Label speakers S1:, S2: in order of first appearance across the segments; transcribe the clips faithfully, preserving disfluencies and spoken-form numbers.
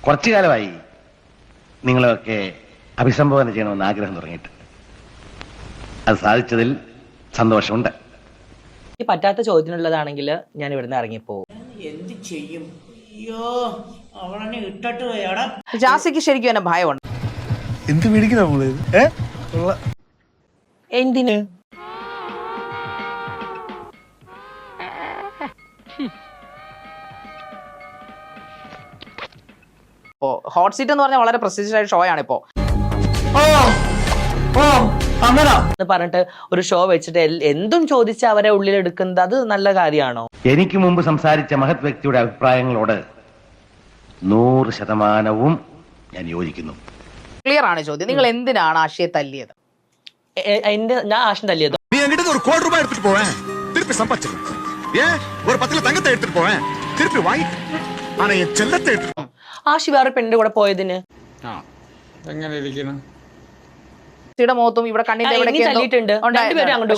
S1: കുറച്ചു കാലമായി നിങ്ങളെയൊക്കെ അഭിസംബോധന ചെയ്യണമെന്ന് ആഗ്രഹം തുടങ്ങിയിട്ട് അത് സാധിച്ചതിൽ സന്തോഷമുണ്ട്.
S2: പറ്റാത്ത ചോദ്യത്തിനുള്ളതാണെങ്കിൽ ഞാൻ ഇവിടുന്ന് ഇറങ്ങിപ്പോവും.
S3: എന്ത് ചെയ്യും? അയ്യോ, അവളെ ഇട്ടിട്ട് പോയാടാ.
S4: ജാസിക്ക് ശരിക്കും എന്നെ ഭയമുണ്ട്.
S5: എന്ത് മേടിക്കുന്ന
S2: എന്തിന്?
S4: ഹോട്ട് സീറ്റ് എന്ന് പറഞ്ഞാൽ വളരെ പ്രസ്റ്റീജിയസ് ആയ ഷോ ആണ് ഇപ്പോ.
S2: പറഞ്ഞിട്ട് ഒരു ഷോ വെച്ചിട്ട് എന്തും ചോദിച്ച് അവരെ ഉള്ളിലെടുക്കുന്നത് അത് നല്ല കാര്യമാണോ?
S1: എനിക്ക് മുമ്പ് സംസാരിച്ച മഹത് വ്യക്തിയുടെ അഭിപ്രായങ്ങളോട് നൂറ് ശതമാനവും ഞാൻ യോജിക്കുന്നു.
S4: ക്ലിയർ ആണ് ചോദ്യം. നിങ്ങൾ എന്തിനാണ് ആശയെ തല്ലിയത്?
S2: എന്റെ ഞാൻ ആശം തല്ലിയത് ആശി വേറെ പെണ്ണിന്റെ കൂടെ പോയതിന്
S4: മുഖത്തും ഇവിടെ കണ്ണിന്റെ
S2: തല്ലിയിട്ടുണ്ട്. രണ്ടുപേരും അങ്ങോട്ട്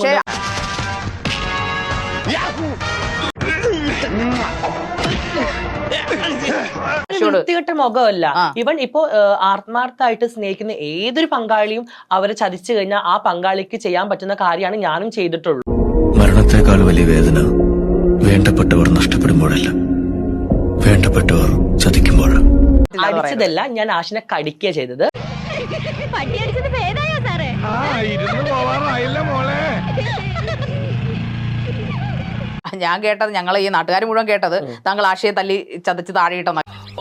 S2: വൃത്തികെട്ട മുഖമല്ല. ഇവൻ ഇപ്പോ ആത്മാർത്ഥമായിട്ട് സ്നേഹിക്കുന്ന ഏതൊരു പങ്കാളിയും അവരെ ചതിച്ചു കഴിഞ്ഞാൽ ആ പങ്കാളിക്ക് ചെയ്യാൻ പറ്റുന്ന കാര്യമാണ് ഞാനും ചെയ്തിട്ടുള്ളൂ.
S6: മരണത്തെക്കാൾ വലിയ വേദന വേണ്ടപ്പെട്ടവർ നഷ്ടപ്പെടുമ്പോഴല്ല, വേണ്ടപ്പെട്ടവർ ചതിക്കുമ്പോഴാണ്.
S2: അടിച്ചതല്ല, ഞാൻ ആശിനെ കടിക്കുക ചെയ്തത്.
S4: ഞാൻ കേട്ടത്, ഞങ്ങൾ ഈ നാട്ടുകാർ മുഴുവൻ കേട്ടത് താങ്കൾ ആശയെ തല്ലി ചതച്ച് താഴെയിട്ടെന്ന.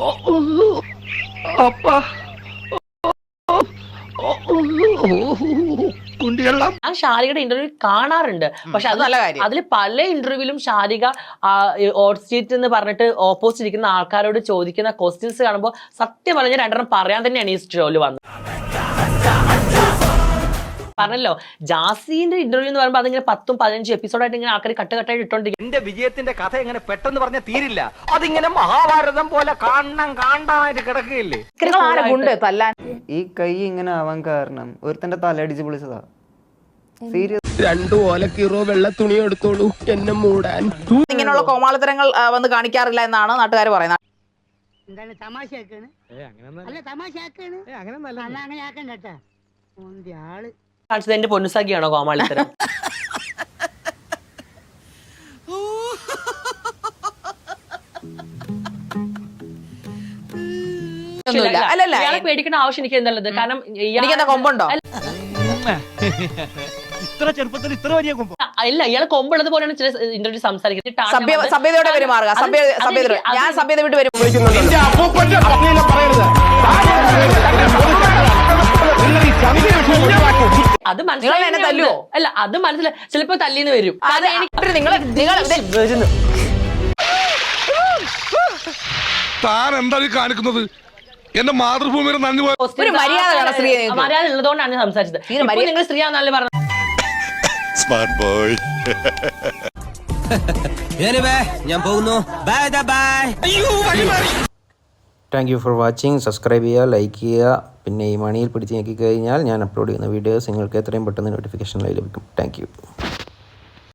S2: ഞാൻ ഷാരികയുടെ ഇന്റർവ്യൂ കാണാറുണ്ട്. പക്ഷെ അത് നല്ല കാര്യം. അതിൽ പല ഇന്റർവ്യൂവിലും ഷാരിക ഹോട്ട് സീറ്റ് എന്ന് പറഞ്ഞിട്ട് ഓപ്പോസിറ്റ് ഇരിക്കുന്ന ആൾക്കാരോട് ചോദിക്കുന്ന ക്വസ്റ്റ്യൻസ് കാണുമ്പോൾ സത്യം പറഞ്ഞ രണ്ടെണ്ണം പറയാൻ തന്നെയാണ് ഈ ഷോയിൽ വന്നത്. പറഞ്ഞല്ലോ, ജാസിന്റെ ഇന്റർവ്യൂ എന്ന് പറയുമ്പോൾ അതിങ്ങനെ പത്തും പതിനഞ്ചും എപ്പിസോഡായിട്ട് ഇങ്ങനെ ആൾക്കാർ കട്ട് കട്ടായിട്ട് ഇട്ടോണ്ടിരിക്കും.
S7: എന്റെ വിജയത്തിന്റെ കഥ എങ്ങനെ പെട്ടെന്ന് പറഞ്ഞ തീരില്ല. അതിങ്ങനെ മഹാഭാരതം പോലെ കാണണം കാണാനായിട്ട് കിടക്കുകയില്ലേ.
S8: ഈ കൈ ഇങ്ങനെ ആവാൻ കാരണം ഒരുത്തന്റെ തലയടിച്ച് പൊളിച്ചതാ. സീരിയസ്.
S9: രണ്ടു ഓലക്കീറോ വെള്ള തുണി എടുത്തോളൂ എന്നെ മൂടാൻ.
S4: ഇങ്ങനെയുള്ള കോമാളിത്തരങ്ങൾ വന്ന് കാണിക്കാറില്ല എന്നാണ് നാട്ടുകാർ പറയുന്നത്.
S2: എന്റെ പൊന്നുസാക്കിയാണോ കോമാളിത്തരം? ഇയാളെ പേടിക്കേണ്ട ആവശ്യം എനിക്ക് എന്നുള്ളത്. കാരണം
S4: എനിക്കെന്താ കൊമ്പുണ്ടോ?
S5: ഇത്ര ചെറുപ്പത്തിൽ ഇത്ര വലിയ കൊമ്പ്
S2: ഇല്ല, ഇയാളെ കൊമ്പുള്ളത് പോലെയാണ് ചില ഇന്റർവ്യൂ സംസാരിക്കുന്നത്.
S4: സഭ്യതയോടെ പെരുമാറുക. ഞാൻ സഭ്യത വിട്ട് വരും.
S2: അത് മനസ്സിലായോ? അല്ല, അത് മനസ്സിലായി. ചിലപ്പോ തല്ലിന്ന് വരും.
S5: താൻ എന്താ കാണിക്കുന്നത്? എന്റെ മാതൃഭൂമിയുടെ നന്ദി.
S2: മര്യാദ ഉള്ളതുകൊണ്ടാണ് ഞാൻ സംസാരിച്ചത്. നിങ്ങൾ സ്ത്രീയാന്നല്ലേ പറഞ്ഞത്.
S6: Smart boy. ഞാൻ പോകുന്നു. Bye bye.
S8: Thank you for watching. Subscribe ചെയ്യുക, ലൈക്ക് ചെയ്യുക. പിന്നെ ഈ മണിയിൽ പിടിച്ച് നോക്കി കഴിഞ്ഞാൽ ഞാൻ അപ്ലോഡ് ചെയ്യുന്ന വീഡിയോസ് നിങ്ങൾക്ക് എത്രയും പെട്ടെന്ന് നോട്ടിഫിക്കേഷനായി ലഭിക്കും. Thank U.